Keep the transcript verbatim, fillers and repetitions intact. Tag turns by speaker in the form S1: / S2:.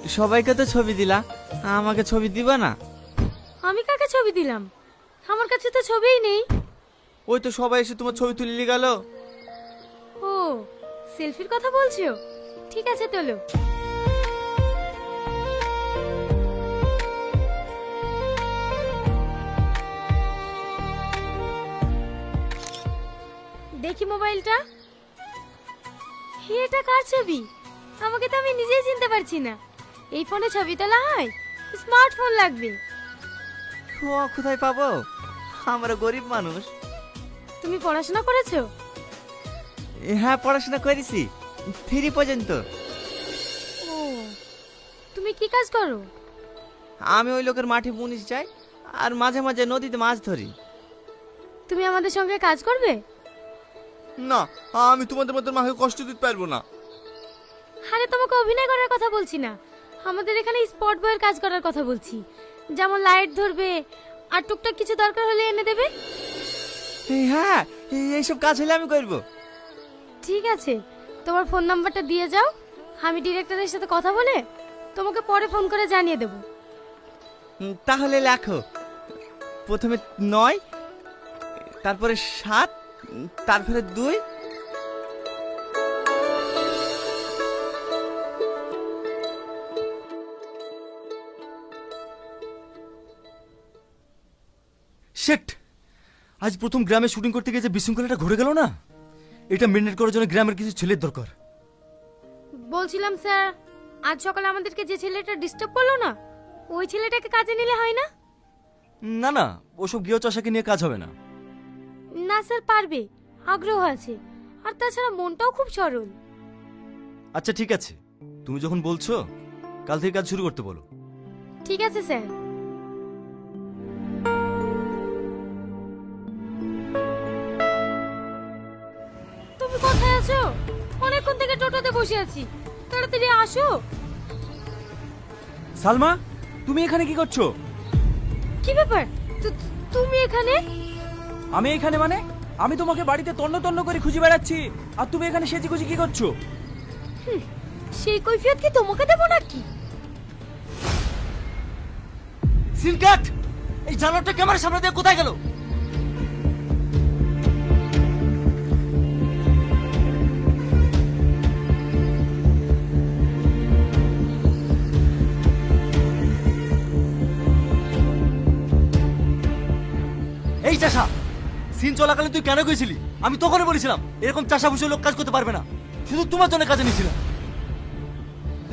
S1: সবাইকে তো ছবি দিলা, আমাকে ছবি দিবা না?
S2: আমি কাকে ছবি দিলাম? আমার কাছে তো ছবিই নেই।
S1: ওই তো সবাই এসে তোমার ছবি তুলে গেল।
S2: ও, সেলফির কথা বলছো? ঠিক আছে তোলো। দেখি মোবাইলটা। এটা কার ছবি? আমাকে তো আমি নিজেই চিনতে পারছি না। এই ফোনে ছবি তোলা হয়? স্মার্টফোন লাগবে।
S1: ও কোথায় পাবো, আমরা গরিব মানুষ।
S2: তুমি পড়াশোনা করেছো?
S1: হ্যাঁ পড়াশোনা করেছি, থ্রি পর্যন্ত।
S2: ও, তুমি কি কাজ করো?
S1: আমি ওই লোকের মাঠে মুনিশ যাই আর মাঝে মাঝে নদীতে মাছ ধরি।
S2: তুমি আমাদের সঙ্গে কাজ করবে?
S1: না, আমি তোমাদের মতো মাকে কষ্ট দিতে পারবো না।
S2: আরে তোমাকে অভিনয় করার কথা বলছি না, আমাদের এখানে স্পট বয়ের কাজ করার কথা বলছি। যেমন লাইট ধরবে আর টুকটাক কিছু দরকার হলে এনে দেবে।
S1: এই হ্যাঁ, এই- এইসব কাজ হলে আমি করব।
S2: ঠিক আছে, তোমার ফোন নাম্বারটা দিয়ে যাও, আমি ডিরেক্টরের সাথে কথা বলে তোমাকে পরে ফোন করে জানিয়ে দেব।
S1: উম, তাহলে লেখো, প্রথমে নয়, তারপরে সাত, উম, তারপরে দুই।
S3: শেট, আজ প্রথম গ্রামে শুটিং করতে গিয়ে যে বিশৃঙ্খলাটা ঘটে গেল না, এটা মেনটেন করার জন্য গ্রামের কিছু ছেলের দরকার।
S2: বলছিলাম স্যার, আজ সকালে আমাদেরকে যে ছেলেটা ডিস্টার্ব করলো না, ওই ছেলেটাকে কাজে নিলে হয় না?
S3: না না, ওসব গৃহ চাষাকে নিয়ে কাজ হবে না।
S2: না স্যার, পারবে, আগ্রহ আছে, আর তাছাড়া মনটাও খুব সরল।
S3: আচ্ছা ঠিক আছে, তুমি যখন বলছো কাল থেকে কাজ শুরু করতে বলো।
S2: ঠিক আছে স্যার। তুমি কোথায় আছো? অনেকক্ষণ থেকে টোটোতে বসে আছি, তাড়াতাড়ি আসো।
S3: সালমা, তুমি এখানে কি করছো?
S2: কি ব্যাপার, তু- তুমি এখানে?
S3: আমি এখানে মানে? আমি তোমাকে বাড়িতে তন্ন তন্ন করে খুঁজে বেড়াচ্ছি, আর তুমি এখানে সেজি খুঁজি কি করছো?
S2: সেই কৈফিয়ত কি তোমাকে দেবো নাকি?
S3: Scene cut! এই জানোয়ারটা ক্যামেরার সামনে দিয়ে কোথায় গেল? এই চাষা, সিন চলাকালীন তুই কেন গেছিলি? আমি তখনই বলেছিলাম এরকম চাষা ভুষে লোক কাজ করতে পারবে না, শুধু তোমার জন্য কাজে নিয়েছিলাম।